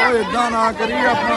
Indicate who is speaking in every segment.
Speaker 1: इदा ना करिए अपना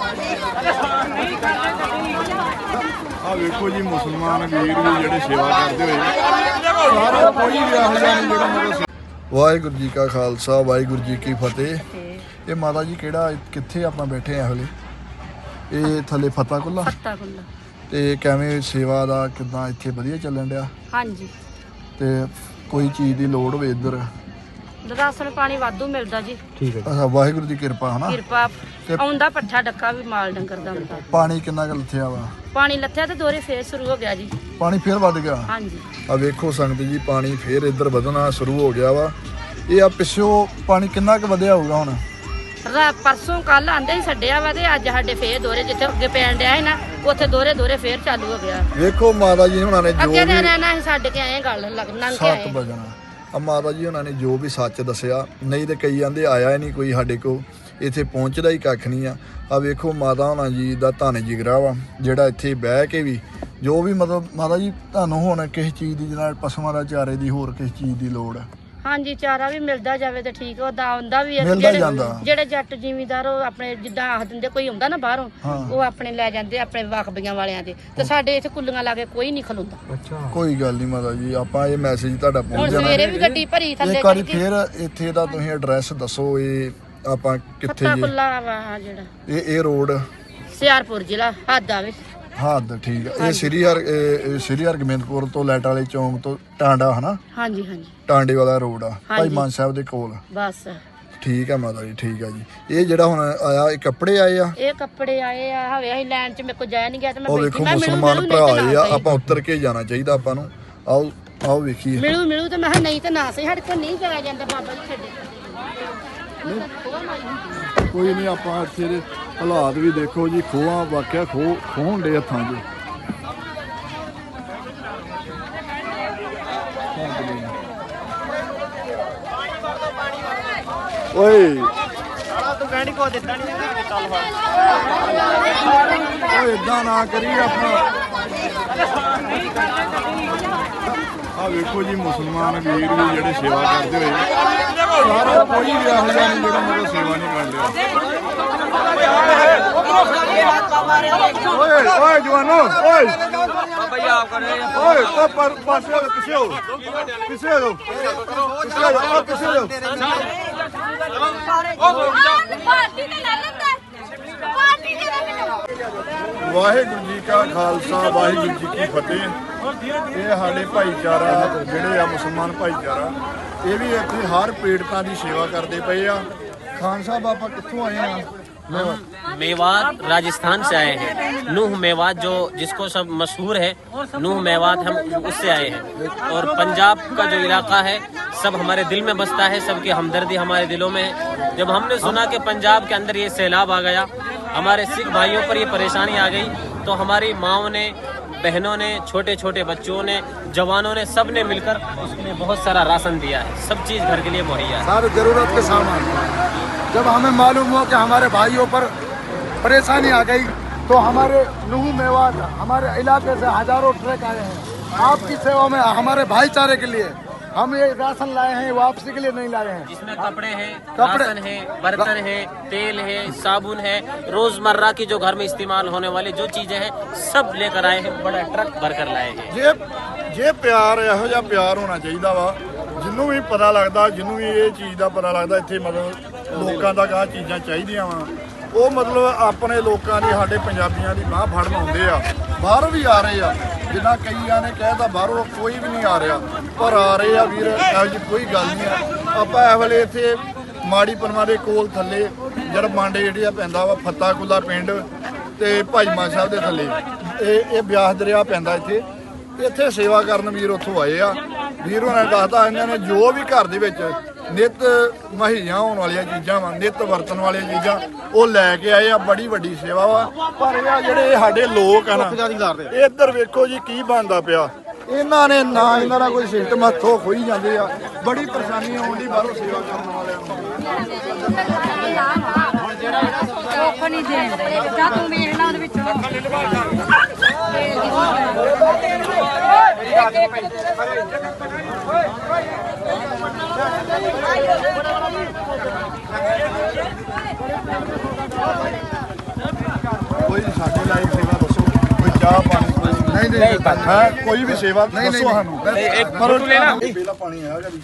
Speaker 1: आ वेखो जी मुसलमान वीर भी जेडे सेवा करते हुए सारा कोई भी ਇਹੋ ਜਿਹਾ ਨਹੀਂ ਜਿਹੜਾ मतलब वाहिगुरू जी का खालसा वाहिगुरू जी की फतेह। ये माता जी केड़ा कित्थे आपां बैठे हैं हले ये थले फता कुल्ला ते किवें सेवा दा किदां इत्थे वधिया ਚੱਲਣ ਡਿਆ?
Speaker 2: ਹਾਂਜੀ
Speaker 1: ते कोई चीज़ की लोड़ होवे इधर
Speaker 2: ਰਾਸ਼ਨ ਪਾਣੀ ਵਾਧੂ ਮਿਲਦਾ ਜੀ।
Speaker 1: ठीक है। अच्छा वाहिगुरू ਦੀ ਕਿਰਪਾ ਹੈ ਨਾ।
Speaker 2: ਕਿਰਪਾ ਆਉਂਦਾ ਪੱਠਾ ਡੱਕਾ ਵੀ ਮਾਲ ਡੰਗਰ ਦਾ ਹੁੰਦਾ।
Speaker 1: ਪਾਣੀ ਕਿੰਨਾ ਕੁ ਲੱਥਿਆ ਵਾ?
Speaker 2: ਪਾਣੀ ਲੱਥਿਆ ਤੇ ਦੋਰੇ ਫੇਰ ਸ਼ੁਰੂ ਹੋ ਗਿਆ ਜੀ।
Speaker 1: ਪਾਣੀ ਫੇਰ ਵੱਧ ਗਿਆ?
Speaker 2: ਹਾਂਜੀ।
Speaker 1: ਆ ਵੇਖੋ ਸੰਗਤ ਜੀ ਪਾਣੀ ਫੇਰ ਇੱਧਰ ਵਧਣਾ ਸ਼ੁਰੂ ਹੋ ਗਿਆ ਵਾ। ਇਹ ਆ ਪਿੱਛੋਂ ਪਾਣੀ ਕਿੰਨਾ ਕੁ ਵਧਿਆ ਹੋਊਗਾ ਹੁਣ?
Speaker 2: ਪਰਸੋਂ ਕੱਲ ਆਂਦੇ ਹੀ ਛੱਡਿਆ ਵਾ ਤੇ ਅੱਜ ਸਾਡੇ ਫੇਰ ਦੋਰੇ ਜਿੱਥੇ ਅੱਗੇ ਪੈਣ ਡਿਆ ਸੀ ਨਾ ਉੱਥੇ ਦੋਰੇ ਫੇਰ ਚਾਲੂ ਹੋ ਗਿਆ।
Speaker 1: ਵੇਖੋ ਮਾਤਾ ਜੀ ਹੁਣਾਂ ਨੇ ਜੋ
Speaker 2: ਅੱਗੇ ਦੇ ਰਹਿਣਾ ਸੀ ਛੱਡ ਕੇ ਆਏ ਗੱਲ ਲੱਗਣਾ ਕਿ ਆਏ
Speaker 1: 7 ਵਜਣਾ। ਆ ਮਾਤਾ ਜੀ ਹੁਣਾਂ ਨੇ ਜੋ ਵੀ ਸੱਚ ਦੱਸਿਆ, ਨਹੀਂ ਤੇ ਕਈ ਆਂਦੇ ਆਇਆ ਹੀ ਨਹੀਂ ਕੋਈ ਸਾਡੇ ਕੋਲ, ਇੱਥੇ ਪਹੁੰਚਦਾ ਹੀ ਕੱਖ ਨਹੀਂ ਆ। ਆ ਵੇਖੋ ਮਾਤਾ ਹੁਣਾਂ ਜੀ ਦਾ ਧੰਨ ਜਿਗਰਾ ਵਾ ਜਿਹੜਾ ਇੱਥੇ ਬਹਿ ਕੇ ਵੀ ਜੋ ਵੀ ਮਤਲਬ ਮਾਤਾ ਜੀ ਤੁਹਾਨੂੰ ਹੁਣ ਕਿਸੇ ਚੀਜ਼ ਦੀ ਨਾਲ ਪਸ਼ੂਆਂ ਦਾ ਚਾਰੇ ਦੀ ਹੋਰ ਕਿਸੇ ਚੀਜ਼ ਦੀ ਲੋੜ ਆ? ਹਾਂਜੀ
Speaker 2: ਚਾਰਾ ਵੀ ਮਿਲਦਾ ਜਾਵੇ ਤੇ ਠੀਕ ਉਹਦਾ ਆਉਂਦਾ ਵੀ ਜਿਹੜੇ ਜੱਟ ਜ਼ਿਮੀਂਦਾਰ ਉਹ ਆਪਣੇ ਜਿੱਦਾਂ ਆਖ ਦਿੰਦੇ ਕੋਈ ਆਉਂਦਾ ਨਾ ਬਾਹਰੋਂ ਉਹ ਆਪਣੇ ਲੈ ਜਾਂਦੇ ਆਪਣੇ ਵਖਬੀਆਂ ਵਾਲਿਆਂ ਦੇ ਤੇ ਸਾਡੇ ਇੱਥੇ ਕੁੱਲੀਆਂ ਲਾ ਕੇ ਕੋਈ ਨਹੀਂ ਖਲੋਂਦਾ।
Speaker 1: ਅੱਛਾ ਕੋਈ ਗੱਲ ਨਹੀਂ ਮਾਤਾ ਜੀ ਆਪਾਂ ਇਹ ਮੈਸੇਜ ਤੁਹਾਡਾ ਪਹੁੰਚ ਜਾਣਾ।
Speaker 2: ਸਵੇਰੇ ਵੀ ਗੱਡੀ ਭਰੀ ਥੱਲੇ
Speaker 1: ਇੱਕ ਵਾਰੀ ਫੇਰ ਇੱਥੇ ਦਾ ਤੁਸੀਂ ਐਡਰੈਸ ਦੱਸੋ ਇਹ ਆਪਾਂ ਕਿੱਥੇ ਜੀ?
Speaker 2: ਕੁੱਲਾ ਵਾ ਜਿਹੜਾ
Speaker 1: ਇਹ ਰੋਡ
Speaker 2: ਸਿਆਰਪੁਰ ਜ਼ਿਲ੍ਹਾ ਹੱਦ ਆਵੇ।
Speaker 1: ਹੱਦ ਠੀਕ ਆ। ਇਹ ਸ੍ਰੀ ਹਰਗੋਬਿੰਦਪੁਰ ਤੋਂ ਲੈਟ ਵਾਲੇ ਚੌਂਕ ਤੋਂ ਟਾਂਡਾ ਹਨਾ?
Speaker 2: ਹਾਂਜੀ ਹਾਂਜੀ
Speaker 1: ਟਾਂਡੇ ਵਾਲਾ ਰੋਡ ਆ ਭਾਈ ਮਾਨ ਸਾਹਿਬ ਦੇ ਕੋਲ।
Speaker 2: ਬਸ
Speaker 1: ਠੀਕ ਆ ਮਾਤਾ ਜੀ ਠੀਕ ਆ ਜੀ। ਇਹ ਜਿਹੜਾ ਹੁਣ ਆਇਆ ਇਹ ਕੱਪੜੇ ਆਏ ਆ?
Speaker 2: ਇਹ ਕੱਪੜੇ ਆਏ ਆ ਹਵੇ ਅਸੀਂ ਲੈਣ ਚ ਮੇਰੇ ਕੋ ਜਾਇਆ ਨਹੀਂ ਗਿਆ ਤੇ ਮੈਂ
Speaker 1: ਉਹ ਵੇਖੋ ਮੁਸਲਮਾਨ ਭਰਾ ਆਏ ਆ, ਆਪਾਂ ਉੱਤਰ ਕੇ ਜਾਣਾ ਚਾਹੀਦਾ ਆਪਾਂ ਨੂੰ। ਆਓ ਵੇਖੀਏ।
Speaker 2: ਮਿਲੂ ਤੇ ਮੈਂ ਕਿਹਾ ਨਹੀਂ ਤੇ ਨਾ ਸਹੀ ਸਾਡੇ ਕੋਲ ਨਹੀਂ ਜਾਇਆ ਜਾਂਦਾ ਬਾਬਾ ਜੀ ਛੱਡੇ।
Speaker 1: ਕੋਈ ਨਹੀਂ ਆਪਾਂ ਇੱਥੇ ਦੇ ਹਾਲਾਤ ਵੀ ਦੇਖੋ ਜੀ। ਖੋਹਾਂ ਵਾਕਿਆ ਖੋਹਣ ਦੇ ਹੱਥਾਂ 'ਚ। ਓਏ ਤੂੰ ਕਹਿਣੀ ਕੋ ਦਿੱਤਾ ਨਹੀਂ ਚੱਲ ਓਏ ਇਦਾਂ ਨਾ ਕਰੀ ਆਪਣਾ। ਆ ਵੇਖੋ ਜੀ ਮੁਸਲਮਾਨ ਵੀਰ ਵੀ ਜਿਹੜੇ ਸੇਵਾ ਕਰਦੇ ਹੋਏ ਸਾਰਾ ਕੋਈ ਵੀ ਇਹੋ ਜਿਹਾ ਨਹੀਂ ਜਿਹੜਾ ਮਤਲਬ ਸੇਵਾ ਨਹੀਂ ਕਰ ਰਿਹਾ। ਓਏ ਜਵਾਨੋ ਓਏ ਬਾਬਾ ਜੀ ਆਪ ਕਰ ਰਹੇ ਆ। ਓਏ ਤੋਂ ਪਰ ਪਾਸੇ ਹੋ ਪਿੱਛੇ ਹੋ ਪਿੱਛੇ ਹੋ ਪਿੱਛੇ ਹੋ। ਵਾਹਿਗੁਰੂ ਜੀ ਕਾ ਖਾਲਸਾ ਵਾਹਿਗੁਰੂ ਜੀ ਕੀ ਫਤਿਹ। ਇਹ ਸਾਡੇ ਭਾਈਚਾਰਾ ਜਿਹੜੇ ਆ ਮੁਸਲਮਾਨ ਭਾਈਚਾਰਾ ਇਹ ਵੀ ਇੱਥੇ ਹਰ ਪੀੜਤਾਂ ਦੀ ਸੇਵਾ ਕਰਦੇ ਪਏ ਆ। ਖਾਨ ਸਾਹਿਬ ਆਪਾਂ ਕਿੱਥੋਂ ਆਏ ਆ?
Speaker 3: मेवात राजस्थान से आए हैं। नूह मेवात जो जिसको सब मशहूर है नूह मेवात, हम उससे आए हैं। और पंजाब का जो इलाका है सब हमारे दिल में बसता है, सबकी हमदर्दी हमारे दिलों में है। जब हमने सुना कि पंजाब के अंदर ये सैलाब आ गया, हमारे सिख भाइयों पर ये परेशानी आ गई, तो हमारी माओं ने बहनों ने छोटे छोटे बच्चों ने जवानों ने सब ने मिलकर उसके लिए बहुत सारा राशन दिया है। सब चीज़ घर के लिए मुहैया है,
Speaker 1: सारे जरूरत के सामान। जब हमें मालूम हुआ कि हमारे भाइयों पर परेशानी आ गई तो हमारे नूह मेवात हमारे इलाके से हजारों ट्रक आए हैं आपकी सेवा में। हमारे भाईचारे के लिए हम ये राशन लाए हैं, वापसी के लिए नहीं लाए हैं।
Speaker 3: जिसमें कपड़े हैं, राशन है, बर्तन है, तेल है, साबुन है, रोजमर्रा की जो घर में इस्तेमाल होने वाली जो चीजें हैं सब लेकर आए हैं। बड़ा ट्रक भरकर लाए हैं।
Speaker 1: ये प्यार ਇਹੋ ਜਿਹਾ ਪਿਆਰ ਹੋਣਾ ਚਾਹੀਦਾ ਵਾ। ਜਿਹਨੂੰ ਵੀ ਪਤਾ ਲੱਗਦਾ, ਜਿਹਨੂੰ ਵੀ ਇਹ ਚੀਜ਼ ਦਾ ਪਤਾ ਲੱਗਦਾ ਇੱਥੇ ਮਤਲਬ ਲੋਕਾਂ ਦਾ ਆਹ ਚੀਜ਼ਾਂ ਚਾਹੀਦੀਆਂ ਵਾ, ਉਹ ਮਤਲਬ ਆਪਣੇ ਲੋਕਾਂ ਦੀ ਸਾਡੇ ਪੰਜਾਬੀਆਂ ਦੀ ਬਾਂਹ ਫੜਨ ਆਉਂਦੇ ਆ। ਬਾਹਰੋਂ ਵੀ ਆ ਰਹੇ ਆ, ਜਿੱਦਾਂ ਕਈਆਂ ਨੇ ਕਹਿਤਾ ਬਾਹਰੋਂ ਕੋਈ ਵੀ ਨਹੀਂ ਆ ਰਿਹਾ, ਪਰ ਆ ਰਹੇ ਆ ਵੀਰ। ਇਹੋ ਜਿਹੀ ਕੋਈ ਗੱਲ ਨਹੀਂ ਆ। ਆਪਾਂ ਇਸ ਵੇਲੇ ਇੱਥੇ ਮਾੜੀ ਪਨਵਾ ਦੇ ਕੋਲ ਥੱਲੇ ਜਿਹੜਾ ਮਾਂਡੇ ਜਿਹੜੀ ਆ ਪੈਂਦਾ ਵਾ ਫੱਤਾ ਕੁੱਲਾ ਪਿੰਡ ਤੇ ਭਾਈ ਮਾਨ ਸਾਹਿਬ ਦੇ ਥੱਲੇ ਇਹ ਬਿਆਸ ਦਰਿਆ ਪੈਂਦਾ ਇੱਥੇ ਸੇਵਾ ਕਰਨ ਵੀਰ ਉੱਥੋਂ ਆਏ ਆ। ਵੀਰ ਉਹਨਾਂ ਨੇ ਦੱਸਦਾ ਇਹਨਾਂ ਨੇ ਜੋ ਵੀ ਘਰ ਦੇ ਵਿੱਚ ਨਿੱਤ ਮੁਹੱਈਆ ਹੋਣ ਵਾਲੀਆਂ ਚੀਜ਼ਾਂ ਵਾ, ਨਿੱਤ ਵਰਤਣ ਵਾਲੀਆਂ ਚੀਜ਼ਾਂ ਉਹ ਲੈ ਕੇ ਆਏ ਆ। ਬੜੀ ਵੱਡੀ ਸੇਵਾ ਵਾ। ਪਰ ਇਹ ਜਿਹੜੇ ਸਾਡੇ ਲੋਕ ਆ ਨਾ ਇੱਧਰ ਵੇਖੋ ਜੀ ਕੀ ਬਣਦਾ ਪਿਆ। ਇਹਨਾਂ ਨੇ ਨਾ ਇਹਨਾਂ ਦਾ ਕੋਈ ਸਿਸਟਮ ਹੱਥੋਂ ਖੋਈ ਜਾਂਦੇ ਆ। ਬੜੀ ਪਰੇਸ਼ਾਨੀ ਆਉਂਦੀ ਬਾਹਰੋਂ ਸੇਵਾ ਕਰਨ ਵਾਲਿਆਂ ਨੂੰ।
Speaker 2: ਨਹੀਂ ਦੇਂਦੇ ਤਾਂ ਤੂੰ ਵੇਖਣਾ ਉਹਦੇ ਵਿੱਚੋਂ
Speaker 1: ਕੋਈ ਸਾਡੀ ਲਾਈਫ ਸੇਵਾ ਦੱਸੋ, ਕੋਈ ਚਾਹ ਪਾਣੀ ਨਹੀਂ ਹੈ ਕੋਈ ਵੀ ਸੇਵਾ ਦੱਸੋ ਸਾਨੂੰ। ਪਰ ਪਹਿਲਾ ਪਾਣੀ ਆਇਆ ਕਦੀ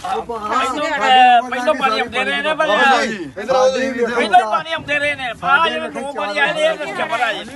Speaker 4: ਪਹਿਲਾਂ ਪਾਣੀ ਆਉਂਦੇ ਰਹੇ ਨੇ ਪਹਿਲਾਂ ਪਾਣੀ ਆਉਂਦੇ ਰਹੇ ਨੇ ਬਾਅਦ ਜਦੋਂ ਦੋ ਪਾਣੀ ਆਏ ਨੇ ਇਹ ਚੱਪੜਾ ਜੀ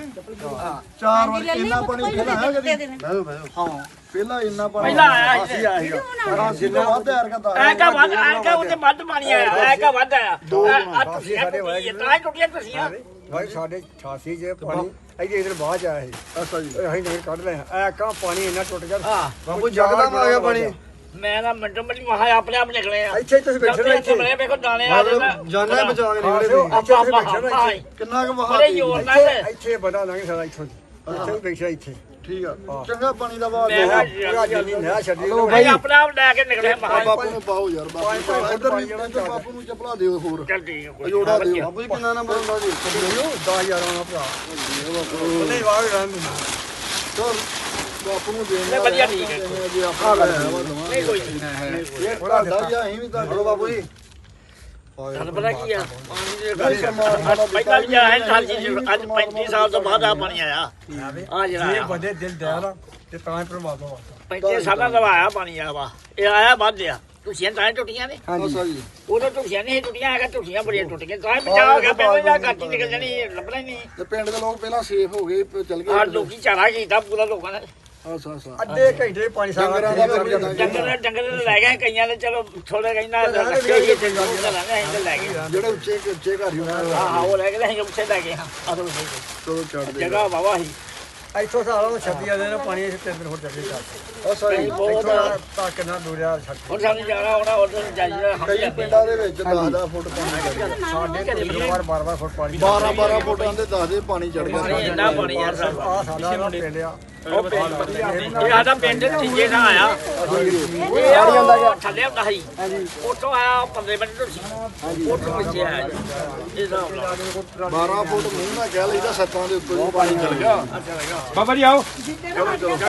Speaker 1: 4 ਵਜੇ ਇੰਨਾ ਪਾਣੀ ਪਹਿਲਾਂ ਆਇਆ ਕਦੀ ਹਾਂ ਪਹਿਲਾਂ ਇੰਨਾ ਪਾਣੀ
Speaker 4: ਪਹਿਲਾਂ ਆਇਆ ਸੀ
Speaker 1: ਜਿੰਨਾ ਵੱਧ ਯਾਰ ਕਹਤਾ
Speaker 4: ਐਕਾ ਉਹਦੇ ਵੱਧ ਪਾਣੀ ਆਇਆ ਐਕਾ ਵੱਧ ਆਇਆ ਆ ਤੁਸੀਂ ਸਾਡੇ ਹੋਏ ਤਾਂ ਟੁੱਟੀਆਂ ਤੁਸੀਂ
Speaker 5: ਭਾਈ ਸਾਡੇ 88 ਜੇ ਪਾਣੀ ਇਹਦੇ ਇਧਰ ਬਾਅਦ ਆਇਆ ਸੀ।
Speaker 1: ਅੱਛਾ ਜੀ
Speaker 5: ਅਸੀਂ ਨਹੀਂ ਕੱਢ ਲਏ ਐ ਕਾ ਪਾਣੀ ਇੰਨਾ ਟੁੱਟ ਗਿਆ
Speaker 4: ਹਾਂ
Speaker 5: ਬਾਪੂ ਜਗਦਮ ਆ ਗਿਆ ਪਾਣੀ
Speaker 4: ਮੈਂ ਨਾ ਮਿੰਟੋ ਮਿੰਟ ਮਹਾ ਆਪਣੇ ਆਪ ਨਿਕਲੇ ਆ
Speaker 5: ਇੱਥੇ ਤੁਸੀਂ ਬੈਠੇ ਰਹੋ ਇੱਥੇ
Speaker 4: ਮੈਂ ਵੇਖੋ ਦਾਣੇ ਆ ਜਾਣਾ
Speaker 5: ਜਾਨਾਂ ਬਚਾ ਕੇ ਨਿਕਲੇ ਇੱਥੇ ਤੁਸੀਂ ਬੈਠੇ ਰਹੋ ਇੱਥੇ
Speaker 1: ਕਿੰਨਾ ਕੁ ਵਹਾ
Speaker 4: ਬੜੇ ਜ਼ੋਰ ਨਾਲ
Speaker 5: ਇੱਥੇ ਬੜਾ ਲੰਘ ਸਕਦਾ ਇੱਥੋਂ ਇੱਥੇ ਵੀ ਬੈਠਾ ਇੱਥੇ
Speaker 1: ਠੀਕ ਆ ਚੰਗਾ ਪਾਣੀ ਦਾ ਵਹਾ
Speaker 4: ਮੈਂ
Speaker 5: ਪੂਰਾ ਜੰਨੀ ਨਾ ਛੱਡੀ
Speaker 4: ਭਾਈ ਆਪਣੇ ਆਪ ਲੈ ਕੇ ਨਿਕਲੇ ਮਹਾ
Speaker 1: ਬਾਪੂ ਨੂੰ ਪਾਓ ਯਾਰ ਬਾਪੂ ਇੱਧਰ ਵੀ ਬਾਪੂ ਨੂੰ ਚੱਪਲਾ ਦਿਓ ਹੋਰ
Speaker 4: ਚੱਲ ਠੀਕ ਹੈ ਕੋਈ
Speaker 1: ਜੋੜਾ ਦਿਓ ਬਾਪੂ ਜੀ ਕਿੰਨਾ ਨੰਬਰ ਹੁੰਦਾ ਜੀ
Speaker 5: 10000 ਆਉਣਾ ਭਰਾ ਉਹਨੇ ਵਾਗ ਰਨ
Speaker 1: ਚਲ ਬਾਪੂ ਨੂੰ ਦੇਣਾ
Speaker 4: ਨਹੀਂ ਵਧੀਆ ਠੀਕ ਹੈ
Speaker 1: ਜੀ ਆਪਾਂ
Speaker 4: ਨਹੀਂ ਕੋਈ ਨਹੀਂ
Speaker 1: ਇਹ ਥੋੜਾ ਦਾ ਅਸੀਂ ਵੀ ਤਾਂ ਬਾਪੂ ਜੀ
Speaker 4: ਤੁਹਾਨੂੰ ਪਤਾ ਕੀ ਆ ਪਾਣੀ ਦੇ ਪਹਿਲਾਂ ਵੀ ਆਇਆ ਸਾਲ ਜੀ ਅੱਜ 35 ਸਾਲ ਤੋਂ ਬਾਅਦ ਆ ਪਾਣੀ ਆਇਆ ਆ ਜਿਹੜਾ
Speaker 5: ਇਹ
Speaker 4: ਆਇਆ
Speaker 5: ਬੰਦੇ ਦਿਲ ਦਇਆ ਤੇ ਤਾਂ ਹੀ ਪ੍ਰਮਾਤਮਾ
Speaker 4: 35 ਸਾਲਾਂ ਦਾ ਆਇਆ ਪਾਣੀ ਆ ਵਾ ਇਹ ਆਇਆ ਵੱਧ ਆ ਤੁਸੀਂ ਤਾਂ ਟੁੱਟੀਆਂ ਨੇ
Speaker 1: ਅੱਛਾ ਜੀ
Speaker 4: ਉਦੋਂ ਟੁੱਟੀਆਂ ਨਹੀਂ ਟੁੱਟੀਆਂ ਹੈਗਾ ਟੁੱਟੀਆਂ ਬੜੀਆਂ ਟੁੱਟ ਗਈਆਂ ਤਾਂ ਬਚਾਅ ਹੋ ਗਿਆ ਪਹਿਲਾਂ ਜਾਂ ਕੱਟੀ ਨਿਕਲ ਜਾਣੀ ਲੱਭਣਾ ਹੀ ਨਹੀਂ
Speaker 1: ਤੇ ਪਿੰਡ ਦੇ ਲੋਕ ਪਹਿਲਾਂ ਸੇਫ ਹੋ ਗਏ ਚਲ
Speaker 4: ਆ
Speaker 1: ਗਏ
Speaker 4: ਲੋਕੀ ਚਾਰਾ ਕੀਤਾ ਪੂਰਾ ਲੋਕਾਂ ਨੇ
Speaker 1: ਅੱਛਾ ਅੱਛਾ
Speaker 5: ਅੱਧੇ ਘੰਟੇ ਪਾਣੀ ਸਾਰਾ
Speaker 4: ਡੰਗਰ ਲੈ ਗਏ ਕਈਆਂ ਨੇ ਚਲੋ ਥੋੜੇ ਕਹਿੰਦਾ ਰੱਖੇ ਹੀ ਤੇ ਲੈ ਗਏ
Speaker 1: ਜਿਹੜੇ ਉੱਚੇ ਉੱਚੇ ਘਰ ਹੀ ਉਹਨਾਂ
Speaker 4: ਹਾਂ ਉਹ ਲੈ ਗਏ ਅਸੀਂ ਉੱਥੇ ਲੈ ਗਏ ਹਾਂ ਆਦੋ
Speaker 1: ਚਲੋ ਛੱਡ ਦੇ
Speaker 4: ਜਗ੍ਹਾ ਵਾਵਾ ਸੀ
Speaker 5: ਇੱਥੋਂ ਸਾਰਾ 26 ਦੇ ਨਾਲ ਪਾਣੀ 3 ਦਿਨ ਹੋਰ ਚੱਲੇ ਚੱਲ
Speaker 1: ਅੱਛਾ ਜੀ
Speaker 4: ਬਹੁਤ
Speaker 5: ਤਾਂ ਕਿੰਨਾ ਦੂਰਿਆ ਛੱਡ
Speaker 4: ਹੁਣ ਸਾਨੂੰ ਜਾਣਾ ਹੋਣਾ ਉਧਰ ਜਾਈਦਾ
Speaker 1: ਕਈ ਪਿੰਡਾਂ ਦੇ ਵਿੱਚ 10-10 ਫੁੱਟ ਪਾਣੀ ਚੜ ਗਿਆ
Speaker 5: ਸਾਡੇ ਵਾਰ 12 ਫੁੱਟ ਪਾਣੀ
Speaker 1: 12-12 ਫੁੱਟਾਂ ਦੇ 10 ਦੇ ਪਾਣੀ ਚੜ ਗਿਆ
Speaker 4: ਇੰਨਾ ਪਾਣੀ ਯਾਰ ਸਾਹਿਬ
Speaker 5: ਆ ਸਾਡਾ ਪਿੰਡ ਆ
Speaker 4: ਇਹ ਸਾਡਾ ਪਿੰਡ ਤੀਜੇ ਨਾਲ ਆਇਆ ਇਹ ਥੱਲੇ ਹੁੰਦਾ ਸੀ ਉੱਥੋਂ ਆਇਆ 15 ਮਿੰਟ ਤੋਂ ਸੀ ਉੱਥੋਂ ਵਿੱਚ ਆਇਆ ਇਹ ਹਿਸਾਬ ਨਾਲ
Speaker 1: 12 ਫੁੱਟ ਮੂੰਹ ਨਾਲ ਕਹਿ ਲਈਦਾ ਸੱਤਾਂ ਦੇ ਉੱਤੇ ਪਾਣੀ ਚੜ ਗਿਆ
Speaker 4: ਬਾਬਾ ਜੀ ਆਓ
Speaker 1: ਚਲੋ ਚਲੋ